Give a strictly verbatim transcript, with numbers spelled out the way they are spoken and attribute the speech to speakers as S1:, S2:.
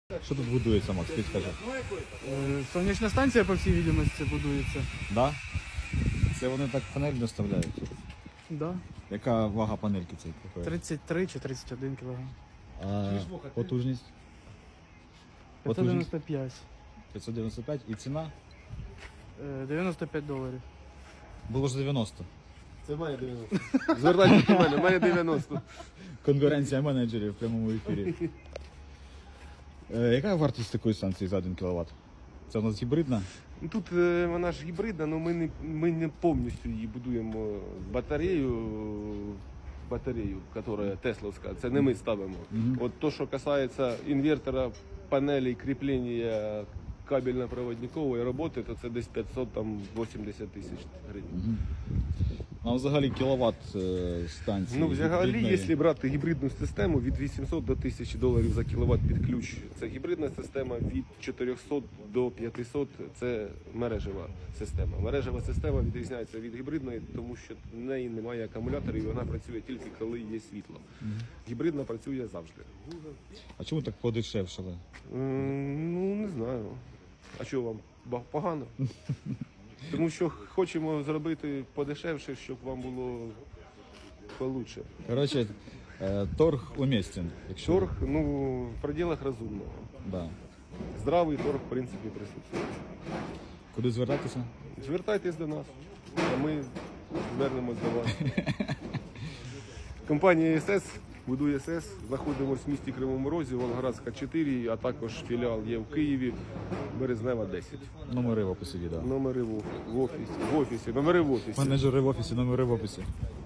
S1: Що тут будується, Макс, ти скажи?
S2: Е, Сонячна станція, по всій відомості, будується.
S1: Да? Це вони так панель доставляють?
S2: Да.
S1: Яка вага панельки цієї?
S2: тридцять три чи тридцять один кілограм.
S1: А потужність?
S2: п'ятсот дев'яносто п'ять.
S1: п'ятсот дев'яносто п'ять і ціна?
S2: Е, дев'яносто п'ять доларів.
S1: Було ж дев'яносто.
S3: Це має дев'яносто. Звертайтесь до мене, має дев'яносто.
S1: Конкуренція менеджерів в прямому ефірі. Е, яка вартість такої станції за один кіловат? Це у нас гібридна?
S3: Ну, Тут е, вона ж гібридна, але ми не, ми не повністю її будуємо батарею, батарею, яка тесловська, це не ми ставимо.
S1: Мгм.
S3: От то, що касається інвертора, панелей, кріплення кабельно-проводникової роботи, то це десь п'ятсот вісімдесят тисяч гривень.
S1: Угу. Ну, а взагалі кіловат е, станції?
S3: Ну, взагалі,
S1: гібридної?
S3: якщо брати гібридну систему, від вісімсот до тисячі доларів за кіловат під ключ. Це гібридна система, від чотирьохсот до п'ятисот – це мережева система. Мережева система відрізняється від гібридної, тому що в неї немає акумуляторів, і вона працює тільки коли є світло. Гібридна працює завжди.
S1: А чому так подешевшили?
S3: М, Ну, не знаю. А що вам, ба- погано? Тому що хочемо зробити подешевше, щоб вам було получше.
S1: Коротше, е, торг уместен. Якщо...
S3: Торг, ну, в пределах розумного.
S1: Да.
S3: Здравий торг, в принципі, присутствує.
S1: Куди звертатися?
S3: Звертайтесь до нас, а ми звернемось до вас. Компанія ес ес будує ес ес. Знаходимося в місті Кривому Розі, Волгоградська чотири, а також філіал є в Києві, Березнева десять.
S1: Номери в описі відео.
S3: Номери в оф- в офісі. В офісі. Номери в офісі.
S1: Менеджери в офісі, номери в описі.